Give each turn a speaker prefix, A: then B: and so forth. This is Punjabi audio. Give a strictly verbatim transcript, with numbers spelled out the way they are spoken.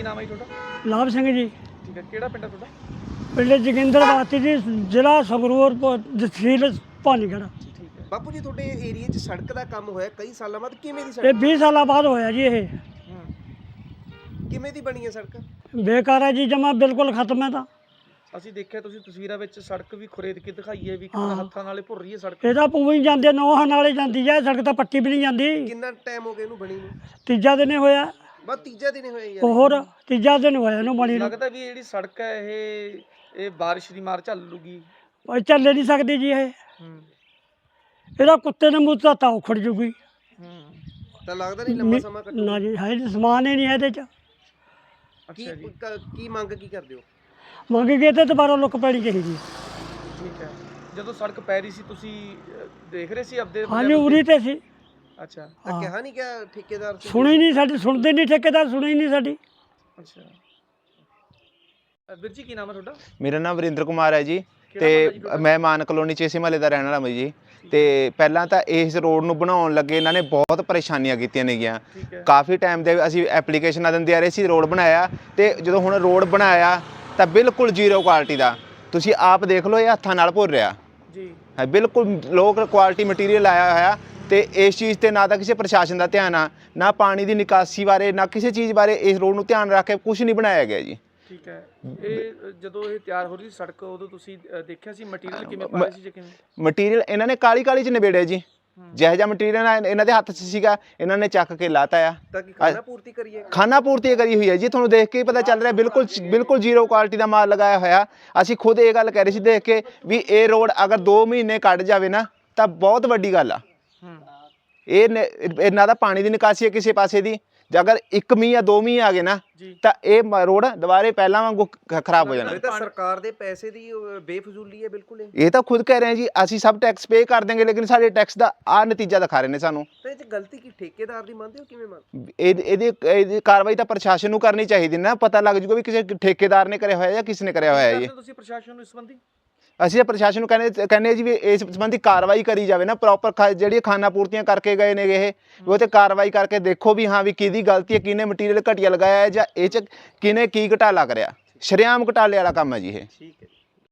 A: ਕੀ ਨਾਮ ਹੈ ਜੀ ਤੁਹਾਡਾ?
B: ਲਾਭ ਸਿੰਘ ਜੀ।
A: ਠੀਕ ਹੈ, ਕਿਹੜਾ ਪਿੰਡ ਹੈ ਤੁਹਾਡਾ?
B: ਪਿੰਡ ਜੋਗਿੰਦਰਵਾਤੀ ਜੀ, ਜ਼ਿਲ੍ਹਾ ਸੰਗਰੂਰ, ਪ- ਤਹਿਸੀਲ ਭਾਨੀਗੜ੍ਹ।
A: ਠੀਕ ਹੈ।
C: ਬਾਪੂ ਜੀ ਤੁਹਾਡੇ ਏਰੀਏ 'ਚ ਸੜਕ ਦਾ ਕੰਮ ਹੋਇਆ ਕਈ ਸਾਲਾਂ ਬਾਅਦ, ਕਿਵੇਂ ਦੀ
B: ਇਹ
C: ਸੜਕ
B: ਵੀਹ ਸਾਲਾਂ ਬਾਅਦ ਹੋਇਆ ਜੀ। ਇਹ
A: ਹੂੰ।
C: ਕਿਵੇਂ ਦੀ ਬਣੀ ਹੈ ਸੜਕ?
B: ਬੇਕਾਰ ਹੈ ਜੀ, ਜਮਾ ਬਿਲਕੁਲ ਖਤਮ ਹੈ ਤਾਂ।
A: ਅਸੀਂ ਦੇਖਿਆ ਤੁਸੀਂ ਤਸਵੀਰਾਂ ਵਿੱਚ ਸੜਕ ਵੀ ਖੁਰੇਦ ਕੇ ਦਿਖਾਈ ਹੈ ਵੀ
B: ਹਾਂ।
A: ਕਿੰਨਾ ਹੱਥਾਂ ਨਾਲੇ ਭੁਰ ਰਹੀ ਹੈ ਸੜਕ।
B: ਇਹਦਾ ਪੂਰੀ ਜਾਂਦੇ ਨੌਹਾਂ ਨਾਲੇ ਜਾਂਦੀ ਹੈ ਸੜਕ, ਤਾਂ ਪੱਟੀ ਵੀ ਨਹੀਂ ਜਾਂਦੀ।
C: ਕਿੰਨਾ ਟਾਈਮ ਹੋ ਗਿਆ ਇਹਨੂੰ ਬਣੀ ਨੂੰ?
B: ਤੀਜਾ ਦਿਨ ਹੀ ਹੋਇਆ।
C: ਬਸ ਤੀਜਾ ਦਿਨ ਹੀ ਹੋਇਆ ਯਾਰ।
B: ਹੋਰ ਤੀਜਾ ਦਿਨ ਹੋਇਆ ਇਹਨੂੰ ਬਣੀ ਨੂੰ।
A: ਲੱਗਦਾ ਵੀ ਇਹ ਜਿਹੜੀ ਸੜਕ ਹੈ ਇਹ ਇਹ ਬਾਰਿਸ਼ ਦੀ ਮਾਰ ਝੱਲ ਲੂਗੀ।
B: ਉਹ ਚੱਲ ਨਹੀਂ ਸਕਦੀ ਜੀ ਇਹ।
A: ਹੂੰ
B: ਇਹਦਾ ਕੁੱਤੇ ਨੇ ਮੂੰਹ ਤਾਂ ਤਾਂ ਉਖੜ ਜੂਗੀ।
A: ਹੂੰ।
C: ਤਾਂ ਲੱਗਦਾ ਨਹੀਂ ਲੰਬਾ ਸਮਾਂ ਕੱਟੂ?
B: ਨਾ ਜੀ, ਹੈ ਜੀ, ਸਮਾਨ ਹੀ ਨਹੀਂ ਹੈ ਇਹਦੇ 'ਚ।
C: ਕੀ
A: ਅੱਛਾ ਜੀ,
C: ਕ- ਕੀ ਮੰਗ ਕੀ ਕਰਦੇ ਹੋ?
B: ਮੰਗ ਗਏ ਤੇ ਦੁਬਾਰਾ ਲੁੱਕ ਪੈਣੀ ਚਾਹੀਦੀ।
A: ਠੀਕ ਹੈ। ਜਦੋਂ ਸੜਕ ਪੈ ਰਹੀ ਸੀ ਤੁਸੀਂ ਅਹ, ਦੇਖ ਰਹੇ ਸੀ ਆਪਦੇ
B: ਹਾਂਜੀ, ਉਰੀ ਤੇ ਸੀ।
A: ਅੱਛਾ
C: ਤਾਂ
B: ਹਾਂ।
C: ਕਿਹਾ ਨਹੀਂ ਕਿ ਠੇਕੇਦਾਰ ਸੀ?
B: ਸੁਣੀ ਨਹੀਂ ਸਾਡੀ, ਸੁਣਦੇ ਨਹੀਂ ਠੇਕੇਦਾਰ, ਸੁਣੀ ਨਹੀਂ ਸਾਡੀ।
A: ਅੱਛਾ। ਅਹ, ਵੀਰ ਜੀ ਕੀ ਨਾਮ ਹੈ ਤੁਹਾਡਾ?
D: ਮੇਰਾ ਨਾਮ ਵਰਿੰਦਰ ਕੁਮਾਰ ਹੈ ਜੀ।
A: ਕਿਹੜਾ ਪਿੰਡ ਹੈ ਜੀ
D: ਤੇ
A: ਤੁਹਾਡਾ?
D: ਮੈਂ ਮਾਨ ਕਲੋਨੀ 'ਚ ਇਸੇ ਮਹੱਲੇ ਦਾ ਰਹਿਣ ਵਾਲਾ ਮੈਂ ਜੀ। ਤੇ ਪਹਿਲਾਂ ਤਾਂ ਇਸ ਰੋਡ ਨੂੰ ਬਣਾਉਣ ਲੱਗੇ ਇਹਨਾਂ ਨੇ ਬਹੁਤ ਪਰੇਸ਼ਾਨੀਆਂ ਕੀਤੀਆਂ ਨੇਗੀਆਂ।
A: ਠੀਕ ਹੈ।
D: ਕਾਫੀ ਟਾਈਮ ਦੇ ਅਸੀਂ ਐਪਲੀਕੇਸ਼ਨਾਂ ਦਿੰਦੇ ਆ ਰਹੇ ਸੀ, ਰੋਡ ਬਣਾਇਆ, ਤੇ ਜਦੋਂ ਹੁਣ ਰੋਡ ਬਣਾਇਆ ਤਾਂ ਬਿਲਕੁਲ ਜ਼ੀਰੋ ਕੁਆਲਿਟੀ ਦਾ। ਤੁਸੀਂ ਆਪ ਦੇਖ ਲਓ, ਇਹ ਹੱਥਾਂ ਨਾਲ ਭੁਰ ਰਿਹਾ
A: ਜੀ।
D: ਹੈ, ਬਿਲਕੁਲ ਲੋਕ ਕੁਆਲਿਟੀ ਮਟੀਰੀਅਲ ਆਇਆ ਹੋਇਆ। ਤੇ ਇਸ ਚੀਜ਼ ਤੇ ਨਾ ਤਾਂ ਕਿਸੇ ਪ੍ਰਸ਼ਾਸਨ ਦਾ ਧਿਆਨ ਆ, ਨਾ ਪਾਣੀ ਦੀ ਨਿਕਾਸੀ ਬਾਰੇ, ਨਾ ਕਿਸੇ ਚੀਜ਼ ਬਾਰੇ ਇਸ ਰੋਡ ਨੂੰ ਧਿਆਨ ਰੱਖ ਕੇ ਕੁਝ ਨਹੀਂ ਬਣਾਇਆ ਗਿਆ ਜੀ।
A: ਠੀਕ ਹੈ। ਇਹ ਅ, ਜਦੋਂ ਇਹ ਤਿਆਰ ਹੋ ਰਹੀ ਸੀ ਸੜਕ, ਉਦੋਂ ਤੁਸੀਂ ਅ, ਦੇਖਿਆ ਸੀ ਮਟੀਰੀਅਲ ਕਿਵੇਂ ਪਾ ਰਹੇ ਸੀ ਜਾਂ ਕਿਵੇਂ?
D: ਮਟੀਰੀਅਲ ਇਹਨਾਂ ਨੇ ਕਾਲੀ ਕਾਲੀ 'ਚ ਨਿਬੇੜਿਆ ਜੀ। ਜਿਹੋ ਜਿਹਾ ਮਟੀਰੀਅਲ ਇਹਨਾਂ ਦੇ ਹੱਥ 'ਚ ਸੀਗਾ, ਇਹਨਾਂ ਨੇ ਚੱਕ ਕੇ ਲਾਤਾ ਆ।
C: ਤਾਂ ਕਿ ਖਾਣਾ ਪੂਰਤੀ ਕਰੀਏ?
D: ਖਾਨਾ ਪੂਰਤੀ ਕਰੀ ਹੋਈ ਹੈ ਜੀ, ਤੁਹਾਨੂੰ ਦੇਖ ਕੇ ਹੀ ਪਤਾ ਚੱਲ ਰਿਹਾ, ਬਿਲਕੁਲ ਬਿਲਕੁਲ ਜ਼ੀਰੋ ਕੁਆਲਿਟੀ ਦਾ ਮਾਲ ਲਗਾਇਆ ਹੋਇਆ। ਅਸੀਂ ਖੁਦ ਇਹ ਗੱਲ ਕਹਿ ਰਹੇ ਸੀ ਦੇਖ ਕੇ ਵੀ ਇਹ ਰੋਡ ਅਗਰ ਦੋ ਮਹੀਨੇ ਕੱਢ ਜਾਵੇ ਨਾ ਤਾਂ ਬਹੁਤ ਵੱਡੀ ਗੱਲ ਆ।
A: ਹੂੰ।
D: ਇਹ ਨ- ਇਹਨਾਂ ਦਾ ਪਾਣੀ ਦੀ ਨਿਕਾਸੀ ਹੈ ਕਿਸੇ ਪਾਸੇ ਦੀ, ਜੇ ਅਗਰ ਇੱਕ ਮੀਂਹ ਜਾਂ ਦੋ ਮੀਂਹ ਆ ਗਏ ਨਾ
A: ਜੀ।
D: ਤਾਂ ਇਹ ਮ- ਰੋਡ ਦੁਬਾਰੇ ਪਹਿਲਾਂ ਵਾਂਗੂ ਖ- ਖਰਾਬ ਹੋ ਜਾਣਾ।
C: ਇਹ ਤਾਂ ਸਰਕਾਰ ਦੇ ਪੈਸੇ ਦੀ ਅਹ, ਬੇਫਜ਼ੂਲੀ ਹੈ ਬਿਲਕੁਲ ਇਹ।
D: ਇਹ ਤਾਂ ਖੁਦ ਕਹਿ ਰਹੇ ਜੀ, ਅਸੀਂ ਸਭ ਟੈਕਸ ਪੇ ਕਰ ਦੇਂਗੇ, ਲੇਕਿਨ ਸਾਡੇ ਟੈਕਸ ਦਾ ਆ ਨਤੀਜਾ ਦਿਖਾ ਰਹੇ ਨੇ ਸਾਨੂੰ।
C: ਤਾਂ ਇਹ 'ਚ ਗਲਤੀ ਕੀ ਠੇਕੇਦਾਰ ਦੀ ਮੰਨਦੇ ਹੋ, ਕਿਵੇਂ ਮੰਨ?
D: ਇਹ ਇਹਦੀ ਇਹਦੀ ਕਾਰਵਾਈ ਤਾਂ ਪ੍ਰਸ਼ਾਸਨ ਨੂੰ ਕਰਨੀ ਚਾਹੀਦੀ ਨਾ, ਪਤਾ ਲੱਗ ਜੂਗਾ ਵੀ ਕਿਸੇ ਠੇਕੇਦਾਰ ਨੇ ਕਰਿਆ ਹੋਇਆ ਜਾਂ ਕਿਸ ਨੇ ਕਰਿਆ ਹੋਇਆ ਹੈ
A: ਕੀ
D: ਜੀ।
A: ਕਰਦੇ ਹੋ ਤੁਸੀਂ ਪ੍ਰਸ਼ਾਸਨ ਨੂੰ ਇਸ ਸੰਬੰਧੀ?
D: ਅਸੀਂ ਤਾਂ ਪ੍ਰਸ਼ਾਸਨ ਨੂੰ ਕਹਿੰਦੇ ਕਹਿੰਦੇ ਜੀ ਵੀ ਇਸ ਸੰਬੰਧੀ ਕਾਰਵਾਈ ਕਰੀ ਜਾਵੇ ਨਾ, ਪ੍ਰੋਪਰ ਜਿਹੜੀਆਂ ਖਾਨਾ ਪੂਰਤੀਆਂ ਕਰਕੇ ਗਏ ਨੇ ਇਹ, ਉਹ ਤੇ ਕਾਰਵਾਈ ਕਰਕੇ ਦੇਖੋ ਵੀ ਹਾਂ ਵੀ ਕਿਹਦੀ ਗਲਤੀ ਹੈ, ਕਿਹਨੇ ਮਟੀਰੀਅਲ ਘਟੀਆ ਲਗਾਇਆ ਹੈ ਜਾਂ ਇਹ 'ਚ ਕਿਹਨੇ ਕੀ ਘਟਾਲਾ ਕਰਿਆ। ਸ਼ਰੇਆਮ ਘਟਾਲੇ ਵਾਲਾ ਕੰਮ ਹੈ ਜੀ ਇਹ।
A: ਠੀਕ ਹੈ।